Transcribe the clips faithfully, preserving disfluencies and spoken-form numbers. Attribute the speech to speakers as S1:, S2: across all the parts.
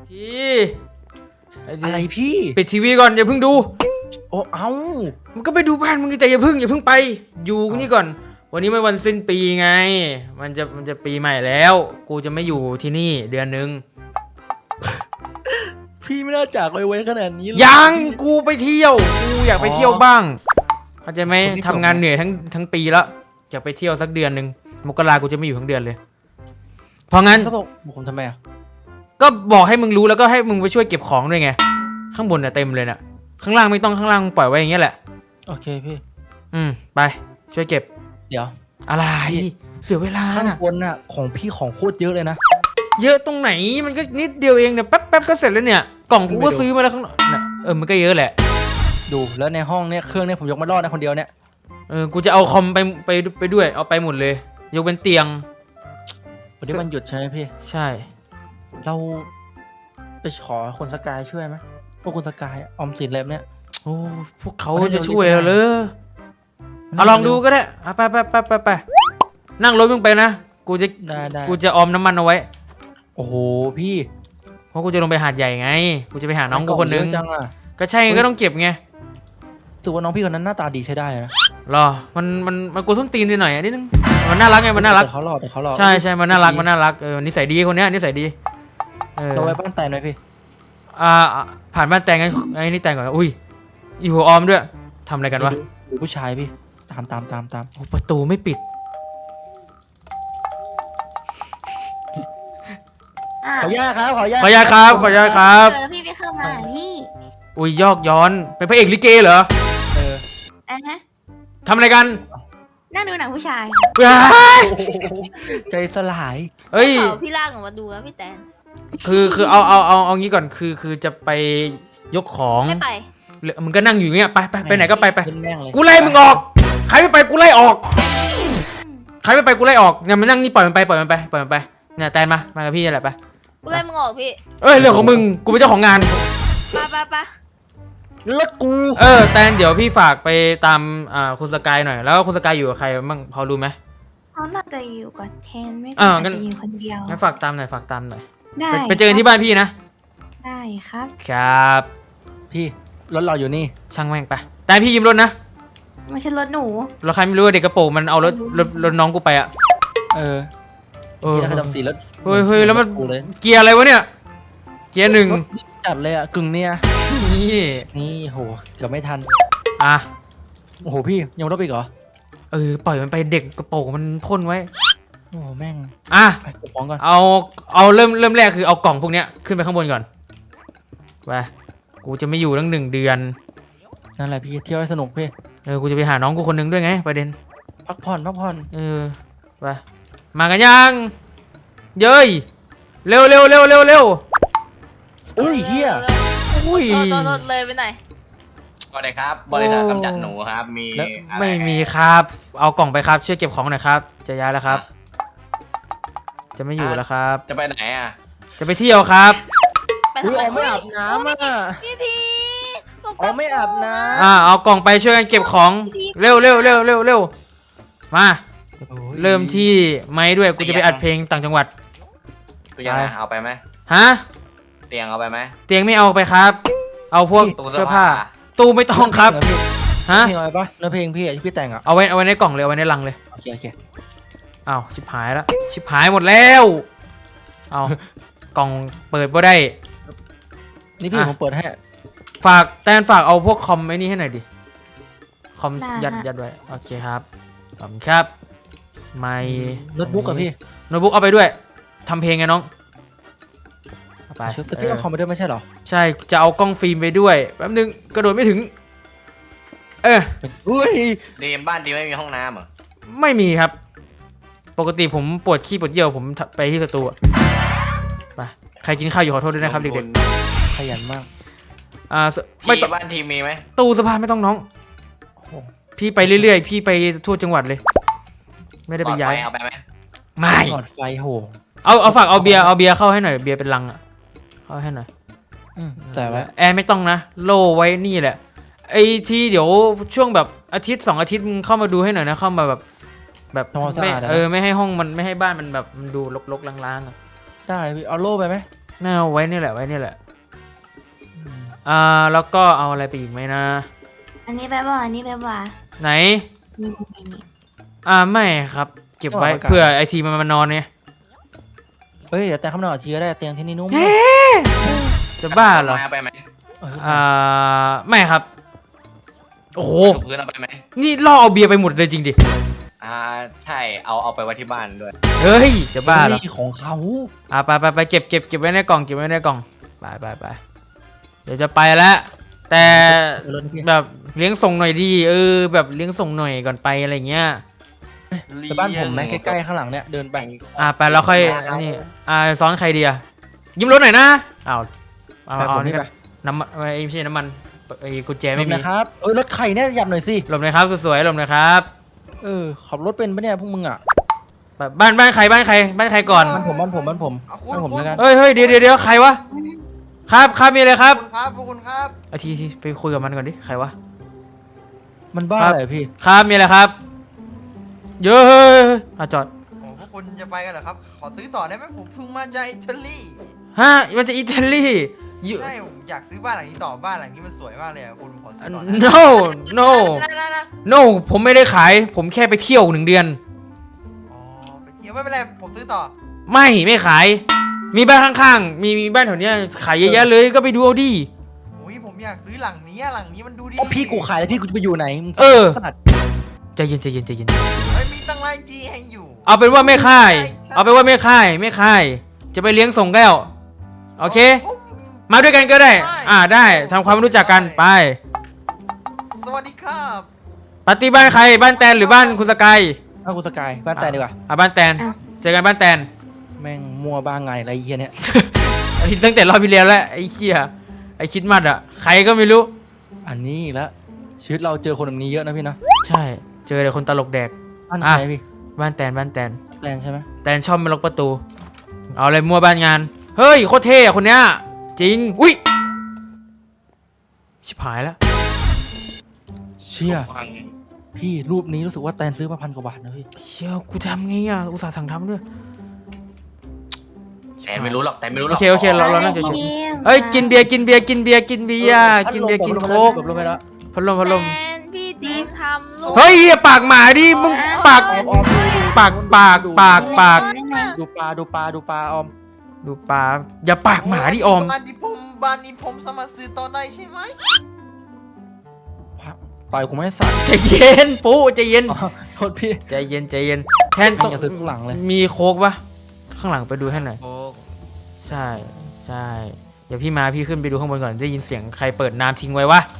S1: ที
S2: อะไรพี่
S1: ปิดทีวีก่อนอย่าเพิ่งดู
S2: โอ้เอ้า
S1: มันก็ไปดูบ้านมึงแต่อย่าเพิ่งอย่าเพิ่งไปอยู่นี่ก่อนวันนี้มันวันสิ้นปีไงมันจะมันจะปีใหม่แล้วกูจะไม่อยู่ที่นี่เดือนนึง
S2: พี่ไม่น่าจากไวๆขนาดนี้เลย
S1: ยังกูไปเที่ยวกูอยากไปเที่ยวบ้างเข้าใจไหมทำงานเหนื่อยทั้งทั้งปีแล้วอยากไปเที่ยวสักเดือนนึงมกรากูจะไม่อยู่ทั้งเดือนเลยเพราะงั้น
S2: เขาบอกผมทำไมอ่ะ
S1: ก็บอกให้มึงรู้แล้วก็ให้มึงไปช่วยเก็บของด้วยไงข้างบนเนี่ยเต็มเลยน่ะข้างล่างไม่ต้องข้างล่างปล่อยไว้อย่างเงี้ยแหละ
S2: โอเคพี่
S1: อืมไปช่วยเก็บ
S2: เดี๋ยว
S1: อะไรเสียเวลา
S2: ข้าง
S1: น่ะ
S2: บนน่ะของพี่ของโคตรเยอะเลยนะ
S1: เยอะตรงไหนมันก็นิดเดียวเองเนี่ยแป๊บแป๊บก็เสร็จแล้วเนี่ยกล่องกูก็ซื้อมาแล้วข้างนอกน่ะเออมันก็เยอะแหละ
S2: ดูแล้วในห้องเนี่ยเครื่องเนี่ยผมยกมารอดนะคนเดียวเนี่ย
S1: เออกูจะเอาคอมไปไปไปด้วยเอาไปหมดเลยยกเป็นเตียง
S2: วันนี้มันหยุดใช่ไหมพี่
S1: ใช่
S2: เราไปขอคนสกายช่วยไหมพวกคนสกายออมสินอะไรแบบเนี้ย
S1: โอ้พวกเขาจะช่วยเราเลยเอาลองดูก็ได้ไปไปไปไปไปนั่งรถมึงไปนะกูจะกูจะออมน้ำมันเอาไว้
S2: โอ้โหพี่
S1: เพราะกูจะลงไปหาดใหญ่ไงกูจะไปหาน้องกูคนนึงก็ใช่ก็ต้องเก็บไง
S2: ถือว่าน้องพี่คนนั้นหน้าตาดีใช้ได้นะ
S1: หรอมันมันมันกูส้นตีนนิดหน่อยนิดนึงมันน่ารักไงมันน่ารัก
S2: เขาหล่อแต่เขาหล่อ
S1: ใช่ใช่มันน่ารักมันน่ารักเออนิสัยดีคนเนี้ยนิสัยดี
S2: เออเราไปบ้านแตนหน่อยพี่
S1: อ่าผ่านบ้านแตงไงไอ้นี่แตงก่อนอุ้ยอยู่หัวออมด้วยทำอะไรกันวะ
S2: ผู้ชายพี่ตามตามตามตาม
S1: ประตูไม่ปิด
S2: ขออนุญาตครับขออนุญาต
S1: ขออนุญาตครับขออนุญาตครับ
S3: พี่ไปเข้ามาพี่
S1: อุ้ยยอกย้อนเป็นพระเอกลิเกเหรอ
S2: เออ
S3: อ่ะฮะ
S1: ทำอะไรกัน
S3: นั่งดูหนังผู้ชาย
S2: ใจสลาย
S1: เฮ้ย
S3: พี่ลากออกมาดูแล้วพี่แตน
S1: คือคือเอาเอาเอาเอางี้ก่อนคือคือจะไปยกของ
S3: ไม่ไป
S1: มึงก็นั่งอยู่เงี้ยไปไปไปไหนก็ไปไป
S2: กู
S1: ไล่มึงออกใครไม่ไปกูไล่ออกใครไม่ไปกูไล่ออกเนี่ยมันนั่งนี่ปล่อยมันไปปล่อยมันไปปล่อยมันไปเนี่ยแตนมามากับพี่นี่แหละไป
S3: กูไล่มึงออกพี่
S1: เอ้ยเรื่องของมึงกูเป็นเจ้าของงาน
S3: ปะปะปะ
S2: แล้วกู
S1: เออแตนเดี๋ยวพี่ฝากไปตามอ่าคุณสกายหน่อยแล้วคุณสกายอยู่กับใครบ้างพอรู้ไหม
S3: เขาน่าจะอยู่กับเทนไม่ก็จะอยู่คนเดียว
S1: งั้นฝากตามหน่อยฝากตามหน่อย
S3: ได้
S1: ไปเจอที่บ้านพี่นะ
S3: ได้ครับ
S1: ครับ
S2: พี่รถเราอยู่นี่
S1: ช่างแม่งไปแต่พี่ยืมรถนะ
S3: ไม่ใช่รถหนู
S1: รถใครไม่รู้เด็กกระโปรงมันเอารถรถรถน้องกูไปอะ
S2: เออเออที่ทำสีรถ
S1: เฮ้ยเฮ้ยแล้วมันเกียร์อะไรวะเนี่ยเกียร์หนึ่ง
S2: จัดเลยอะกึ่งเนี่ย
S1: นี่
S2: นี่โหเกือบไม่ทัน
S1: อ่ะ
S2: โอ้โหพี่ยังรถไปเหรอ
S1: เออปล่อยมันไปเด็กกระโปรงมันพ่นไว้
S2: โอ้แม่ง
S1: อ่ะ
S2: เก็บของก่อน
S1: เอาเอาเริ่มเริ่มแรกคือเอากล่องพวกเนี้ยขึ้นไปข้างบนก่อนไปกูจะไม่อยู่ตั้งหนึ่งเดือน
S2: นั่นแหละพี่เที่ยวให้สนุกพี่
S1: เออกูจะไปหาน้องกูคนนึงด้วยไงประเด็น
S2: พักผ่อนพักผ่อน
S1: เออไปมากันยังเย้ยเร็วเร็วเร็วเร็วเร็ว
S2: อุ้ยเฮีย
S1: อุ้ย
S3: โดนโดนเลยไปหน่อย
S4: สวัสดีครับบริษัทกำจัดหนูครับมี
S1: ไม่มีครับเอากล่องไปครับช่วยเก็บของหน่อยครับจะย้ายแล้วครับจะไม่อยู่แล้วครับ
S4: จะไปไหนอ่ะ
S1: จะไปเที่ยวครับ
S3: ไปทำไม
S2: ไม่อาบน้ำอ่ะ
S3: พี่ที
S2: อ๋อไม่อาบน้ำ
S1: อ่าเอากล่องไปช่วยกันเก็บของเร็วเร็วเร็วเร็วเร็วมาเริ่มที่ไม้ด้วยกูจะไปอัดเพลงต่างจังหวัด
S4: ตู้ยังเอาไปไหม
S1: ฮะ
S4: เตียงเอาไปไหม
S1: เตียงไม่เอาไปครับเอาพวกเสื้อผ้าตู้ไม่ต้องครับ
S2: ฮะเพลงอะไรปะเนื้อเพลงพี่ที่พี่แต่งอ่ะ
S1: เอาไว้เอาไว้ในกล่องเลยเอาไว้ในลังเลย
S2: โอเคโอเค
S1: อ้าวชิบหายแล้วชิบหายหมดแล้วเอากล่องเปิดบ่ได้
S2: นี่พี่ผมเปิดให้
S1: ฝากแตนฝากเอาพวกคอมไอ้นี่ให้หน่อยดิคอมยัดยัดไว้โอเคครับขอบคุณครับไมค์
S2: โน้ตบุ๊กกับพี่
S1: โน้ตบุ๊กเอาไปด้วยทำเพลงไงน้อง
S2: ไปแต่พี่เอาคอมไปด้วยไม่ใช่หรอ
S1: ใช่จะเอากล้องฟิล์มไปด้วยแป๊บนึงกระโดดไม่ถึงเออ
S2: อุ้ย
S4: ดีมบ้านดีไม่มีห้องน้ำเหรอ
S1: ไม่มีครับปกติผมปวดขี้ปวดเยี่ยวผมไปที่สตูไปใครกินข้าวอยู่ขอโทษด้วยนะครับเด็ก
S2: ๆขยันมาก
S4: อ่าไม่ต้องบ้านทีมีไหม
S1: ตู้สภาไม่ต้องน้องพี่ไปเรื่อยๆพี่ไปทั่วจังหวัดเลยไม่ได้ไปย้าย
S4: เอาไปไหม
S1: ไม่
S2: หลอดไฟโห
S1: เอาเอาฝากเอาเบียร์เอาเบียร์เข้าให้หน่อยเบียร์เป็นลังอ่ะเข้าให้หน่อย
S2: ใส่ไว้
S1: แอร์ไม่ต้องนะโล่ไว้นี่แหละไอ้ที่เดี๋ยวช่วงแบบอาทิตย์สองอาทิตย์มึงเข้ามาดูให้หน่อยนะเข้ามาแบบแบบไม่เออไม่ให้ห้องมันไม่ให้บ้านมันแบบมันดูรกๆล้างๆอ่ะ
S2: ได้พี่เอาโล่ไปไหม
S1: น่าเอาไว้นี่แหละไว้นี่แหละอ่าแล้วก็เอาอะไรไปอีกไหมนะ
S3: อันนี้แบบว่าอันนี้แบบว่า
S1: ไหน
S3: นี่นี่นี่
S1: อ่าไม่ครับ เก็บไว้เผื่อไอทีมันมานอนเนี่ย
S2: เฮ้ยเดี๋ยวแต่งคำนอนเชื้อได้เตียงที่นี่นุ่ม
S1: จะบ้าเหรอ
S4: เอาไปไหม
S2: เออ
S1: อ่าไม่ครับโอ้โห
S4: ถูพื้นเอาไปไหม
S1: นี่ล่อเอาเบียร์ไปหมดเลยจริงดิ
S4: อ่าใช่เอาเอาไปไว้ที่บ้านด้วย
S1: เฮ้ยจะบ้าเหรอ
S2: นี่ของเขา
S1: อ่าไปไปไปเก็บเก็บเก็บไว้ในกล่องเก็บไว้ในกล่องไปไปไปเดี๋ยวจะไปแล้วแต่
S2: เดี๋ยวรถนี่พี่
S1: แบบเลี้ยงส่งหน่อยดีเออแบบเลี้ยงส่งหน่อยก่อนไปอะไรเงี้ย
S2: ไปบ้านผมไหมใกล้ๆข้างหลังเนี่ยเดินไป
S1: อ่าไปแล้วค่อยนี่อ่าซ้อนใครดีอะยิ้มรถหน่อยนะอ้าวเอา
S2: ไป
S1: เอา
S2: ผม
S1: นี่
S2: นี่
S1: ก็
S2: ไป
S1: น้ำมันไอ้ไม่ใช่น้ำมันไอ้กุญแจ
S2: หล
S1: ไม่
S2: บ
S1: มี
S2: นะครับเอ้ยรถไข่เนี่ยหยับหน่อยสิ
S1: หลบหน่อยครับสวยๆหลบหน่อยครับ
S2: เออขับรถเป็นปะเนี่ยพวกมึงอ่ะ
S1: แบบบ้านบ้านใครบ้านใครบ้านใครก่อน
S2: บ้านผมบ้านผมบ้านผมบ้านผมแล้วกัน
S1: เฮ้ยเฮ้ยเดี๋ยวเดี๋ยวเดี๋ยวใครวะครับครับมีอะไรครับ
S5: ขอบคุณครับขอบคุณครับ
S1: อาทีทีไปคุยกับมันก่อนดิใครวะ
S2: มันบ้า
S1: ครับ
S2: อะไรพี่
S1: ครับมีอะไรครับเยอะเฮ้ยอ่ะจอด
S5: โอ้พวกคุณจะไปกันเหรอครับ ขอซื้อต่อได้ไหมผมเพิ่งมาจากอิตาลี
S1: ฮะมันจะอิตาลีอยู่
S5: ใช่ผมอยากซื้อบ้านหลังนี้ต่อบ้านหลังนี้มันสวยมากเลยอะคุณขอซื้อต่อ
S1: no no
S5: นะนะนะ
S1: no ผมไม่ได้ขายผมแค่ไปเที่ยวหนึ่งเดือน
S5: อ๋อไปเที่ยวไม่เป็นไรผมซื้อต่อ
S1: ไม่ไม่ขาย มีบ้านข้างๆ มีมีบ้านแถวเนี้ยขายเยอะแยะเลยก็ไปดูเอาดิ
S5: โอ้ยผมอยากซื้อหลังนี้อะหลังนี้มันดูดี
S2: อ๋อพี่กูขายแล้วพี่กูจะไปอยู่ไหนมึง
S1: เออ
S2: ขนาด
S1: ใจเย็นใจเย็นใจเย็น
S5: เฮ้ยมีตั้งไลน์จีให้อยู่
S1: เอาเป็นว่าไม่ค่าย
S5: ใช่ใช่
S1: เอาเป็นว่าไม่ค่ายไม่ค่าย จะไปเลี้ยงส่งแก้วโอเค
S5: ผม
S1: มาด้วยกันก็ได้
S5: ได้
S1: อ่าได้ทำความรู้จักกันไป
S5: สวัสดีครับ
S1: ปาร์ตี้บ้านใครบ้านแตนหรือบ้านคุณสกาย
S2: บ้านกูสกายบ้านแต่ดีกว่า
S1: อ่ะบ้านแตนเจอกันบ้านแตน
S2: แม่งมัวบ้างไงอะไรเหี้ยเนี่ย
S1: อันนี้ตั้งแต่รอบที่แล้วแล้วไอ้เหี้ยไอ้คิดมัดอ่ะใครก็ไม่รู้
S2: อันนี้อีกแล้วชีวิตเราเจอคนแบบนี้เยอะนะพี่เนาะ
S1: ใช่ เจอแต่คนตลกแดก
S2: บ้าน
S1: อ่ะ
S2: ใครพี่
S1: บ้านแตนบ้านแตน
S2: แตนใช่ไหม
S1: แตนชอบไม่ล็อกประตู เอาอะไรมั่วบ้านงาน เฮ้ยโคตรเท่อะคนเนี้ยจริงอุ้ยชิบหายแล้ว
S2: เชี่ยพี่รูปนี้รู้สึกว่าแตนซื้อมาพันกว่าบาทนะพี่
S1: เชี่ยกูทำไงอ่ะอุตส่าห์สั่งทำด้วย
S4: แต่ไม่รู้หรอกแต่ไม่รู้หร
S1: โอ
S4: อก
S1: เคโอเคเราเราน่าจะ
S3: เก
S1: เฉย
S3: ม
S1: เฮ้ยกินเบียร์กินเบียร์กินเบียร์กินเบียร์กินเบียร์กินโค้ก
S2: หลบลงไปแล้ว
S1: พัดลมพัดลม
S3: แฟนพี่ดีมทำลูก
S1: เฮ้ยเหี้ยปากหมาดิมึงปาก
S2: ออมออม
S1: ปากปากปากปาก
S2: ดูปลาดูปลาดูปลาออม
S1: ดูปากอย่าปากหมาดิออม
S5: บ้านนี้ผมบ้านนี้ผมสามารถซื้อต่อได้ใช่ไหม
S2: ต่อยกูไม่สั่น
S1: ใจเย็นปุ๊ใจเย็น
S2: อ๋อโทษพี่
S1: ใจเย็นใจเย็นแทน
S2: ต้
S1: ต้
S2: อ
S1: อง ง
S2: อย่าซื้อข้างหลังเลย
S1: มีโค้กปะข้างหลังไปดูให้หน่อย
S4: โอ้
S1: ใช่ใช่เดี๋ยวพี่มาพี่ขึ้นไปดูข้างบนก่อนได้ยินเสียงใครเปิดน้ำทิ้งไว้วะ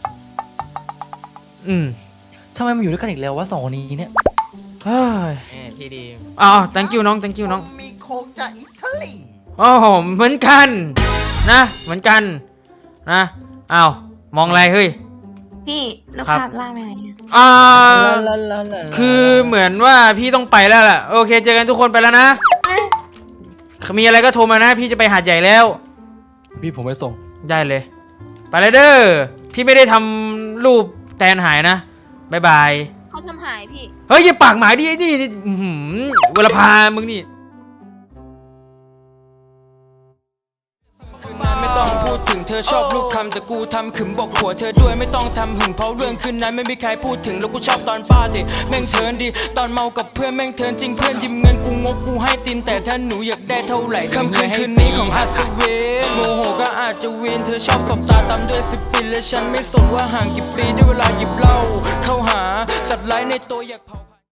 S1: อืม
S2: ทำไมมาอยู่ด้วยกันอีกแล้ววะสองคนนี้เนี่ย
S1: เฮ้ย
S4: พี่ดี
S1: อ๋อ thank you น้อง thank you น้อง
S5: ผมมีโค้กจากอิตาลี
S1: โอ้โหเหมือนกันนะเหมือนกันนะอ้าวมองอะไรเฮ้ย
S3: พี่ลูก
S1: ครับ
S3: ภาพล่างไปไหนอะ
S1: อ่า
S2: ลาลาลา
S1: คือเหมือนว่าพี่ต้องไปแล้วแหละโอเคเจอกันทุกคนไปแล้วนะ มีอะไรก็โทรมานะ พี่จะไปหาดใหญ่แล้ว
S2: พี่ผมไปส่ง
S1: ได้เลย ไปเลยเด้อพี่ไม่ได้ทำรูปแตนหายนะบายบาย
S3: เขาทำหายพี่
S1: เฮ้ยอย่าปากหมาดิไอ้นี่นี่อื้อหือเวลาพามึงนี่คืนนั้นไม่ต้องพูดถึงเธอชอบลูกคำแต่กูทำขึมบอกหัวเธอด้วยไม่ต้องทำหึงเพราะเรื่องคืนนั้นไม่มีใครพูดถึงแล้วกูชอบตอนป้าดิแม่งเทินดีตอนเมากับเพื่อนแม่งเทินจริงเพื่อนยืมเงินกูงกกูให้ตินแต่ถ้าหนูอยากได้เท่าไหร่ค่ำคืนคืนนี้ของอัศวินโมโหก็อาจจะเวียนเธอชอบสบตาตามด้วยสิบปีและฉันไม่สนว่าห่างกี่ปีด้วยเวลาหยิบเหล้าเข้าหาสัตว์ร้ายในตัวอยากเผา